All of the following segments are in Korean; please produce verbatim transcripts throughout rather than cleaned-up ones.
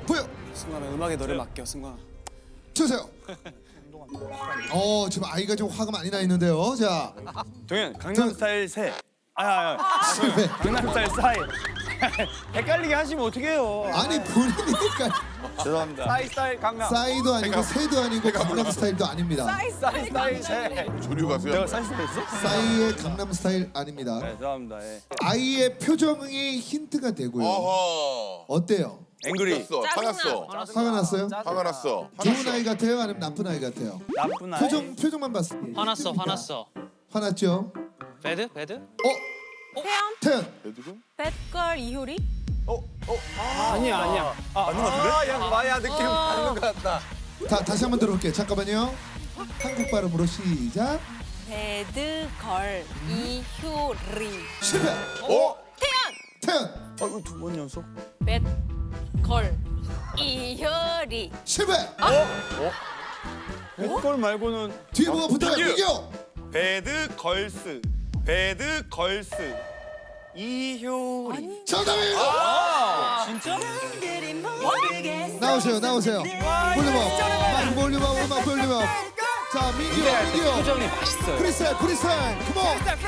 보여 승관아 음악에 너를 맡겨 승관아. 주세요. 어 지금 아이가 좀 화가 많이 나 있는데요. 자 동현 강남 스타일 세. 아야 아, 실패. 강남 스타일 사이. 헷갈리게 하시면 어떡해요. 아니 본인이니까 죄송합니다. 사이 스타일 강남. 싸이도 아니고 새도 아니고 강남 스타일도 아닙니다. 사이 스타일 세. 조류 가수야. 내가 사이 스타일 했어? 싸이의 강남 스타일 아닙니다. 네, 죄송합니다. 예. 아이의 표정이 힌트가 되고요. 어허. 어때요? 앵그리. 났어. 화났어. 화가 났어요? 화가 났어. 좋은 아이 같아요? 아니면 나쁜 아이 같아요? 나쁜 아이. 표정 표정만 봤을 때 화났어, 힌트입니다. 화났어. 화났죠? 배드? 배드? 어? 태연, 태연 애들은? 뱃걸 이효리. 아니야 아니야. 아, 맞는 거 같은데? 아, 야, 마야 느낌 맞는 거 같다. 다, 다시 한번 들어볼게요. 잠깐만요. 한국 발음으로 시작. 배드걸 이효리. 실패. 어? 태연, 태연 아, 이거 두 번 연속? 뱃걸 이효리. 실패. 뱃걸 말고는 뒤에 뭐가 붙어요? 민규. 이겨. 배드 걸스. 배드 걸스. 이효리. 정답입니다. 아, 진짜? 나오세요. 나오세요. 볼륨업. 마이크 볼륨업. 음악 볼륨업. 자 민규 민규. 표정이 맛있어요. 프리스타일 프리스타일. 컴온.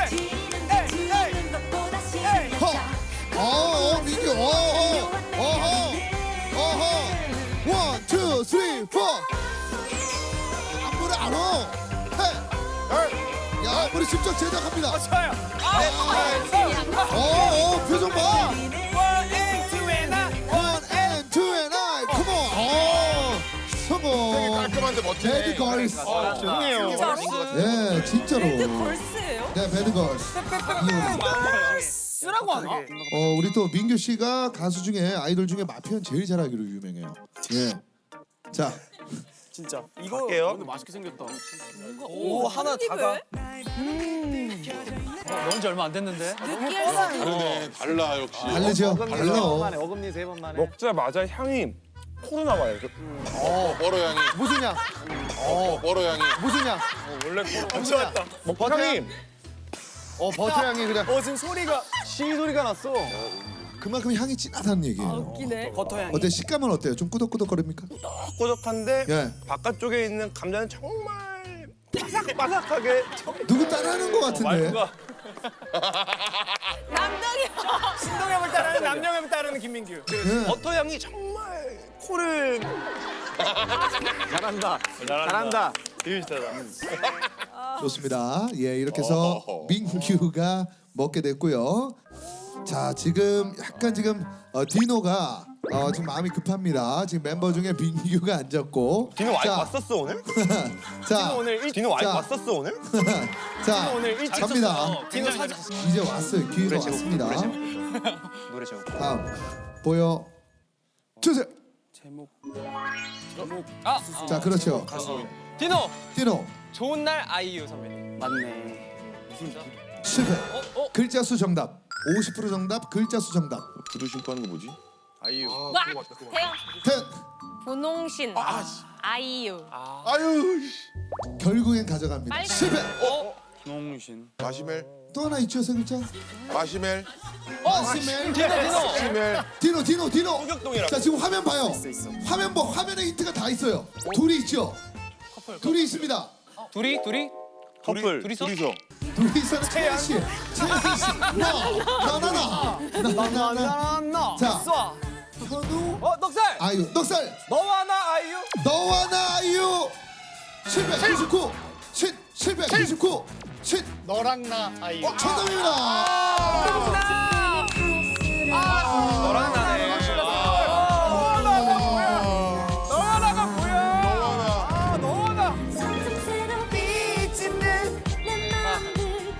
허. 어, 어 민규. 어, 어. 어허. 어허. 원, 투, 쓰리, 포. 안무를 알아. 해. 야, 우리 직접 제작합니다. 좋아요. 어, 어, 표정 봐. One and two and I. Come on. 어, 되게 성공. 깔끔한데 멋지네. 배드 걸스. 아, 죄송해요. 네, 진짜로. 배드걸스예요? 네, 배드 걸스. 이효리. 쓰라고 하나? 어, 우리 또 민규 씨가 가수 중에 아이돌 중에 마표현 제일 잘하기로 유명해요. 예. 자, 진짜. 이거 할게요. 오늘 맛있게 생겼다. 오, 하나 다가. 넣은 지 얼마 안 됐는데? 다르네. 달라 역시. 다르죠? 달라. 어금니 세 번 만에. 먹자마자 향이 코로 나와요. 어, 버러 향이. 무슨 양? 어, 버러 향이. 무슨 양? 원래 코로 엄청 왔다. 버터 향? 어, 버터 향이 그냥 어, 지금 소리가 시 소리가 났어. 그만큼 향이 진하다는 얘기예요. 웃기네. 버터 향이. 어때? 식감은 어때요? 좀 꾸덕꾸덕거립니까? 꼬적한데 예. 바깥쪽에 있는 감자는 정말 바삭바삭하게. 누구 따라하는 것 같은데? 말투가 남동이 신동엽을 따르는 남영엽을 따르는 김민규. 예. 버터 향이 정말 코를 잘한다. 잘한다. 되게 비슷하다. 좋습니다. 예, 이렇게 해서 어허허. 민규가 먹게 됐고요. 자, 지금 약간 지금 어, 디노가 어, 지금 마음이 급합니다. 지금 멤버 중에 민규가 앉았고. 디노 와이프 자, 왔었어 오늘? 자, 디노 오늘 일- 디노 와이프 자. 왔었어 오늘? 자, 오늘 일찍 갑니다. 디노 사진. 이제 왔어요. 기회가 왔습니다. 노래 제목. 다음 보여 주세요. 제목. 아! 자, 그렇죠. 디노! 디노 좋은 날 아이유 선배님. 맞네. 실패. 어? 어? 글자 수 정답. 오십 퍼센트 정답. 글자 수 정답. 구두 신고 하는 거 뭐지? 아이유. 와 태연, 텐. 분홍신, 아이유. 아유. 결국엔 가져갑니다. 빨간. 실패. 농신. 마시멜. 또 하나 있죠, 세 글자. 마시멜. 마시멜. 디노 디노! 마시멜. 디노 디노 디노. 호격동이라고. 자, 지금 화면 봐요. 있어. 화면 뭐 화면에 힌트가 다 있어요. 둘이 있죠. 둘이 있습니다. 둘이? 둘이? 커플. 둘이서? 둘이서. 둘이서는 채연 씨. 채연 씨. 나나나나. 나나나. 나. 자. 쏴. 현우. 어 넉살. 아이유. 넉살. 너와 나 아이유. 너와 나 아이유. 칠백구십구. 칠 칠백구십구. 칠. 너랑 나 아이유. 어, 정답입니다. 너랑 나네. 너와 나가 뭐야? 너와 나가 뭐야? 너와 나. 아 너와 나. 성성스러운 빛 있는 내 맘을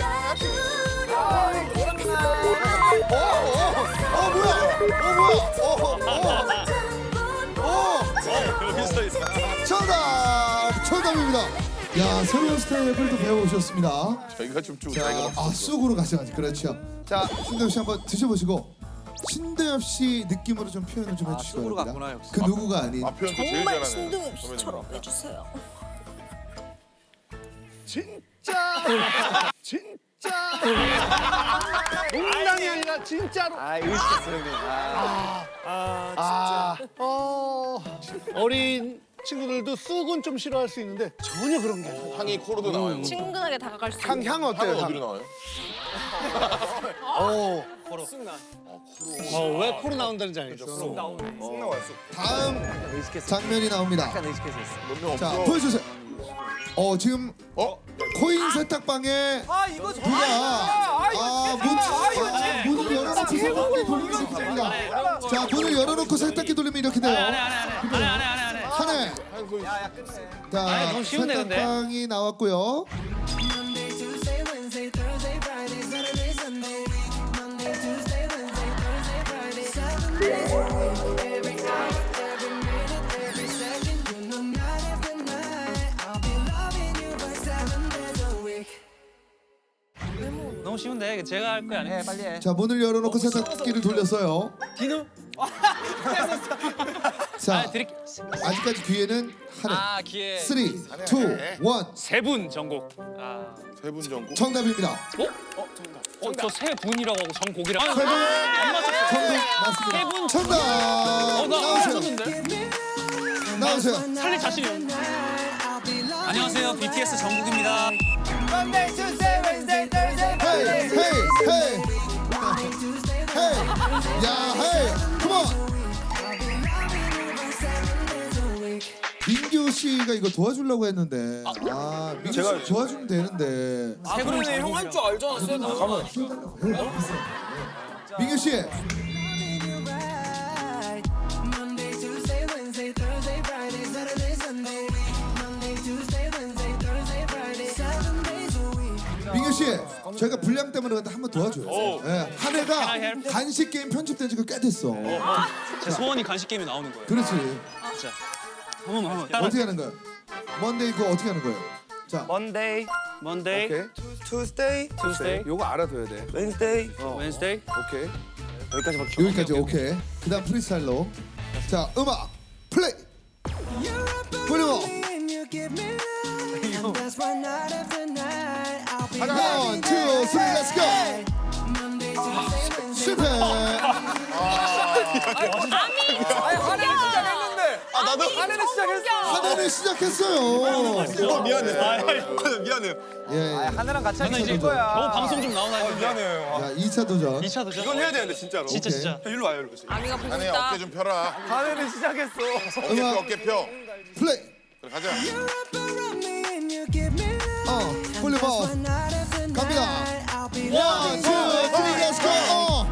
기다려 어, 어, 어, 뭐야? 어, 뭐야? 어, 어, 어. 여기 써 있어. 정답! 정답입니다. 야, 새로운 스텝을 또 배워오셨습니다. 저희가 좀 주고 자, 자기가 아, 쑥으로 가져가지. 그렇죠. 자, 신대엽 씨 한번 드셔보시고 신대엽 씨 느낌으로 좀 표현을 좀 해주시기 쑥으로 바랍니다. 갔구나, 역시. 그 누구가 아닌 아, 표현 또 제일 정말 잘하네. 신동엽 씨처럼 해주세요. 진짜. 진 농담이 아니라 진짜로. 아 의식했어 형님. 아, 어, 어린 친구들도 쑥은 좀 싫어할 수 있는데 전혀 그런 게 아니에요. 향이 코로도 나와요. 친근하게 다가갈 수 향, 있는. 향 어때요? 향은 향? 어디로 나와요? 어, 어, 왜 코로 나온다는지 알겠어. 다음 장면이 나옵니다. 몇명 자 없어. 보여주세요. 어 지금 어? 코인 세탁방에 아 이거 누가 아문 아, 문을 열어놓고 세탁기 돌리면 이렇게 됩니다. 자 문을 열어놓고 세탁기 돌리면 이렇게 돼요. 안해 안해 안해 안해 하네. 자 아이, 너무 쉬운데, 근데? 세탁방이 나왔고요. 너무 쉬운데 제가 할 거야 아니야? 빨리 해. 자 문을 열어놓고 세탁기를 돌렸어요. 디노. 자 아 드릴게. 아직까지 뒤에는 하네. 아 기회. 쓰리, 투, 원. 세분 전곡. 아. 세분 전국. 정답입니다. 어? 어 정답. 어저 세 분이라고 하고 전곡이라고. 세 분. 안 맞췄어. 정답 맞습니다. 세 분. 정답. 어나 나오세요. 맞췄는데. 나오세요. 살릴 자신이 없네. 안녕하세요 비티에스 정국입니다. 헤이 헤이 헤이 헤이 야 헤이 컴온. 민규 씨가 이거 도와주려고 했는데 아 민규 씨 도와주면 되는데 세 분이네 형 할 줄 알잖아. 세다. 민규 씨 민규 씨 저희가 분량 때문에 그런데 한번 도와줘요. 예, 한 해가 간식 게임 편집된 지가 꽤 됐어. 제 소원이 간식 게임에 나오는 거예요. 그렇지. 자, 한번 한번 따라. 어떻게 하는 거야? 먼데이 그거 어떻게 하는 거예요? 자 Monday, Monday, 오케이. Tuesday, Tuesday, 요거 알아둬야 돼. Wednesday, 어. Wednesday. 오케이. 여기까지만. 여기까지 오케이. 그다음 프리스타일로. 자 음악 플레이. 볼륨업. 원, 투, 쓰리, 렛츠 고. 실패. 아 나도. 하늘을 시작했어. 하나는 시작했어요. 어, 미안해. 미안해. 예, 예. 하나랑 같이 저는 이제 도전. 겨우 방송 좀 나오나 했는데. 미안해요. 자 이 차 도전. 이 차 도전. 이건 해야 되는데 진짜로. 진짜 오케이. 진짜. 일로 와요, 일로. 아미가 보고 한해 있다. 어깨 좀 펴라. 하늘을 시작했어. 어깨 펴 음악 어깨 펴. 플레이. 그래 가자. 어 볼륨업. 갑니다. 원, 투, 쓰리, 렛츠 고. 어.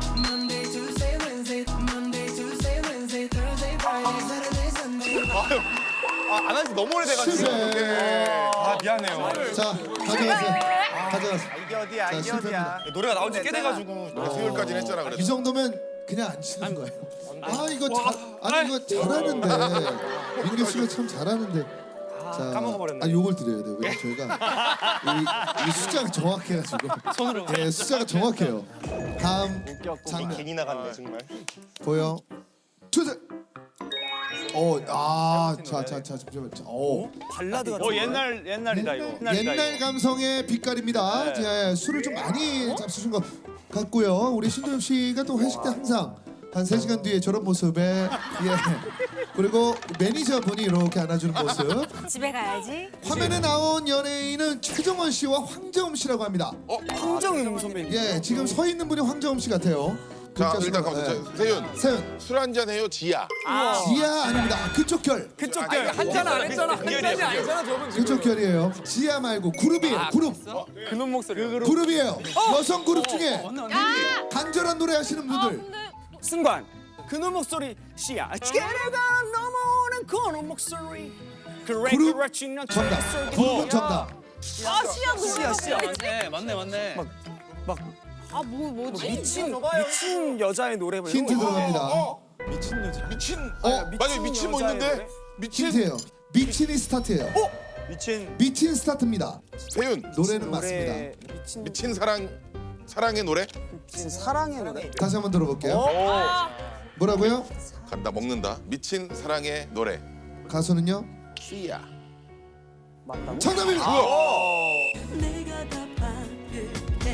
아, 안 한지 너무 오래돼가지고. 실패. 아, 미안해요. 자 가져가세요. 가져가세요. 이게 어디야, 자, 이게 실패입니다. 어디야. 노래가 나온 지 꽤 돼가지고. 수요일까지는 했잖아 그래도. 이 정도면 그냥 안 치는 거예요. 아 이거 잘 아니 이거 잘하는데 민규 씨가 참 잘하는데. 자, 까먹어버렸네. 아 요걸 드려야 돼요. 왜냐면 저희가 이, 이 숫자가 정확해가지고. 손으로. 네, 숫자가 정확해요. 다음 장면 괜히 나갔네, 정말. 보여. 투제. 어, 아, 자, 자, 자, 잠시만. 자, 어, 발라드 같은. 어, 옛날 옛날이다 이거. 옛날 감성의 빛깔입니다. 자, 술을 좀 많이 잡수신 것 같고요. 우리 신도엽 씨가 또 회식 때 항상 한 세 시간 뒤에 저런 모습에 예. 그리고 매니저분이 이렇게 안아주는 모습. 집에 가야지. 화면에 나온 연예인은 최정원 씨와 황정음 씨라고 합니다. 어? 황정음 선배님. 예, 지금 서 있는 분이 황정음 씨 같아요. 자 글자 일단 수가, 가보자. 예. 세윤. 세윤. 술 한잔 해요 지야. 지아 아닙니다. 그쪽 결. 그쪽 결. 한잔 안 했잖아. 한 잔이 아니잖아, 저분. 그쪽 결이에요. 지아 말고 그룹이에요. 그룹. 그놈 목소리. 그룹이에요. 여성 그룹 중에 간절한 노래 하시는 분들. 승관. 그놈 목소리 씨야. 지게가 넘어오는 그놈 목소리. 그래 그룹 그래 진한 정답. 그룹은 정답. 아 씨야 노래. 씨야, 씨야. 맞네 맞네 맞네. 막 아뭐 뭐지? 미친 미친 여자의 노래 뭐 이런 힌트 거. 들어갑니다. 미친 여자. 미친. 어? 맞아 미친 뭐 여자의 있는데? 노래? 미친. 힌트예요. 미친이 스타트예요. 미친 미친 스타트입니다. 세윤. 노래는 맞습니다. 노래 미친 미친 사랑 사랑의 노래. 미친 사랑의 노래. 다시 한번 들어볼게요. 오. 뭐라고요? 간다 먹는다. 미친 사랑의 노래. 가수는요? 씨야. 맞다고? 정답입니다. 내가 다 받을게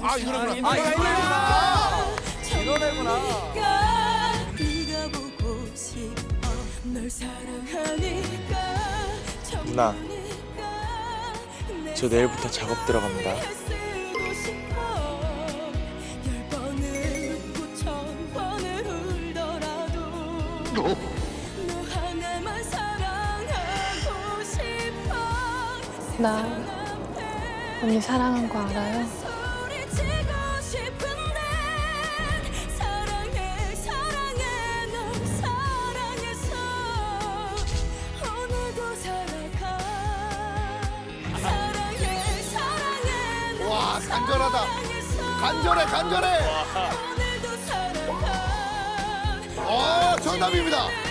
아, 이 노래구나. 아, 이 노래구나. 이 노래구나. 네가 보고 싶어 널 사랑하니까 누나, 저 내일부터 작업 들어갑니다. 쓰고 싶어 열 번을 웃고 천 번을 울더라도 너 하나만 사랑하고 싶어 나 언니 사랑한 거 알아요? 소리치고 싶은데 사랑해 사랑해 널 사랑해서 오늘도 살아가 사랑해 사랑해 널 와, 간절하다. 사랑해서 간절해, 간절해. 오늘도 살아가 어, 정답입니다.